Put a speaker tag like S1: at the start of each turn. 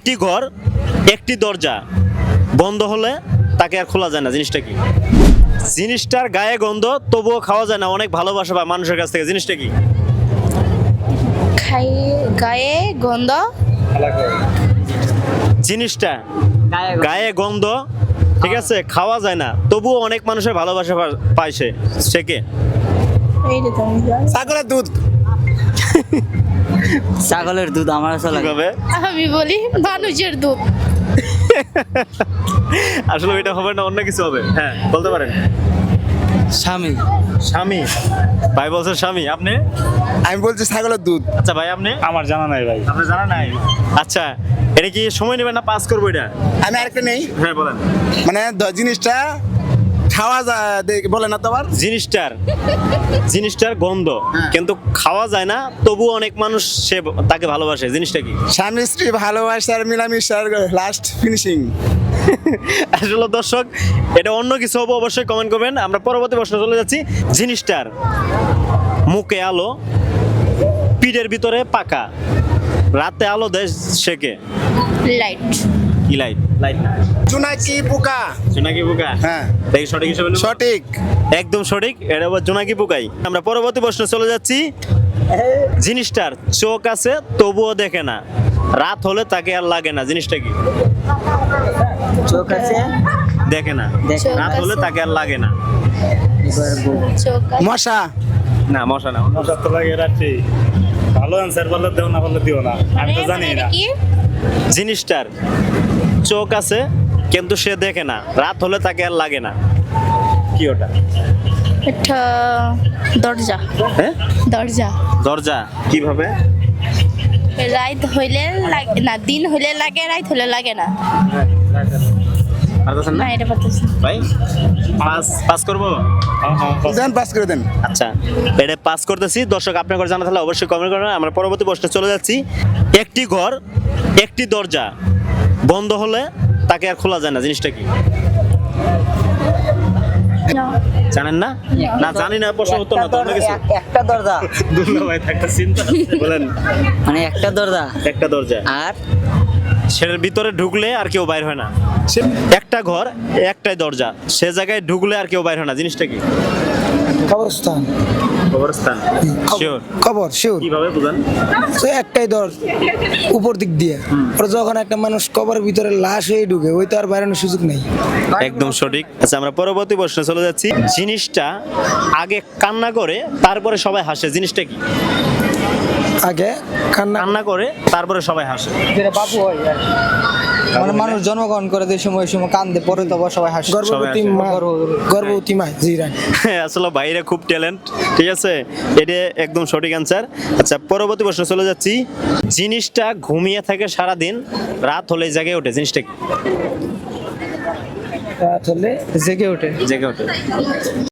S1: একটি ঘর একটি দরজা বন্ধ হলে তাকে আর খোলা যায় না, জিনিসটা কি? জিনিসটার গায়ে গন্ধ তবুও খাওয়া যায় না, অনেক ভালোবাসা পায় মানুষের কাছ থেকে, জিনিসটা কি?
S2: গায়ে গন্ধ
S1: জিনিসটা গায়ে গন্ধ, ঠিক আছে, খাওয়া যায় না তবুও অনেক মানুষের ভালোবাসা পায় সে কে?
S2: এইটা তো আমি জানি।
S3: ছাগলের দুধ।
S4: ছাগলের দুধ আমার আসলে
S1: কিভাবে?
S2: আমি বলি মানুষের দুধ।
S1: আসলে এটা হবে না, অন্য কিছু হবে। হ্যাঁ, বলতে পারেন।
S4: স্বামী।
S1: স্বামী। ভাই বলছে স্বামী, আপনি?
S3: আমি বলছি ছাগলের দুধ।
S1: আচ্ছা ভাই, আপনি?
S5: আমার জানা নাই ভাই।
S1: আপনি জানা নাই? আচ্ছা, এটা কি সময় নেবেন না পাস করবো এটা?
S3: আমি আরেকটা নেই,
S1: হ্যাঁ বলেন।
S3: মানে জিনিসটা খাওয়া যায় বলে না তো আবার।
S1: জিনিসটার গন্ধ কিন্তু খাওয়া যায় না তবুও অনেক মানুষ তাকে ভালোবাসে, জিনিসটা কি?
S3: স্বামী স্ত্রী ভালোবাসার মিলামিশার লাস্ট ফিনিশিং।
S1: আসলে দর্শক, এটা অন্য কিছু হবে, অবশ্যই কমেন্ট করবেন। আমরা পরবর্তী প্রশ্ন চলে যাচ্ছি। জিনিসটার মুখে আলো, পিঠের ভিতরে পাকা, রাতে আলো দেয় সেকে।
S2: লাইট।
S1: কি লাইট? লাইট না,
S3: জোনাকি পোকা।
S1: জোনাকি পোকা।
S3: হ্যাঁ,
S1: দেখি সঠিক হিসেবে নেব?
S3: সঠিক।
S1: একদম সঠিক, এটা আবার জোনাকি পোকাই। আমরা পরবর্তী প্রশ্ন চলে যাচ্ছি। জিনিসটার চোখ আছে তবুও দেখে না, রাত হলে তাকে আর লাগে না, জিনিসটা কি?
S4: চোখ আছে
S1: দেখে না,
S4: দেখে
S2: না।
S1: রাত হলে তাকে আর লাগে না।
S2: চোখ আছে।
S3: মশা।
S1: না, মশা না।
S5: মশা তো লাগে রাত্রি। ভালো অ্যান্সার বললে দেও, না বললে দিও না, আমি তো জানি
S2: এটা
S5: না।
S2: কি?
S1: জিনিসটার চোখ আছে কিন্তু সে দেখে না, রাত হলে তাকে আর লাগে না, কি ওটা?
S2: এটা দরজা।
S1: হ্যাঁ,
S2: দরজা।
S1: দরজা। কিভাবে?
S2: রাত হইলে লাগে না, দিন হইলে লাগে, রাত হইলে লাগে না।
S1: পারতেছেন
S2: না,
S1: না
S2: এটা পারতেছি না।
S1: ভাই? পাস করবো?
S3: দেন, পাস করে দেন।
S1: আচ্ছা, এটা পাস করতেছি। দর্শক, আপনার ঘর জানা থাকলে অবশ্যই কমেন্ট করবেন। আমরা পরবর্তী প্রশ্নে চলে যাচ্ছি। একটি ঘর একটি দরজা বন্ধ হলে তাকে আর খোলা যায় না, জিনিসটা কি?
S2: না।
S1: জানেন না? না জানি না, প্রশ্ন উত্তর না, তো অন্য কিছু।
S4: একটা দরজা,
S1: দুর্লভ ভাই, একটা চিন্তা আছে। বলেন।
S4: মানে একটা দরজা
S1: একটা দরজা,
S4: আর
S1: সেটার ভিতরে ঢুকলে আর কেউ বাইর হয় না। একটা ঘর একটাই দরজা, সে জায়গায় ঢুকলে আর কেউ বাইর হয় না, জিনিসটা কি?
S6: কবরস্থান।
S1: কবরস্থান। শিওর?
S6: কবর শিওর।
S1: কিভাবে বুঝান?
S6: তো একটাই দর উপর দিক দিয়ে, আর যখন একটা মানুষ কবরের ভিতরে লাশ হয়ে ঢুকে, ওই তো আর বাইরানোর সুযোগ নেই।
S1: একদম সঠিক। আচ্ছা, আমরা পরবর্তী প্রশ্নে চলে যাচ্ছি। জিনিসটা আগে কান্না করে তারপরে সবাই হাসে, জিনিসটা কি?
S6: আগে কান্না
S1: কান্না করে তারপরে সবাই হাসে।
S4: যেটা বাবু হয় আর কি। মানে মানুষ জন্মগ্রহণ করে যে সময় কান্দে, পরে তো সবাই হাসে।
S6: গর্ভবতী
S1: সবাই
S6: মা, গর্ভবতী মা। জি রাইট।
S1: আসলে বাইরে খুব ট্যালেন্ট, ঠিক আছে, এটা একদম সঠিক অ্যান্সার। আচ্ছা, পরবর্তী প্রশ্ন চলে যাচ্ছি। জিনিসটা ঘুমিয়ে থাকে সারাদিন, রাত হলে জেগে ওঠে, জিনিসটা কি?
S6: রাত হলে জেগে ওঠে।
S1: জেগে ওঠে।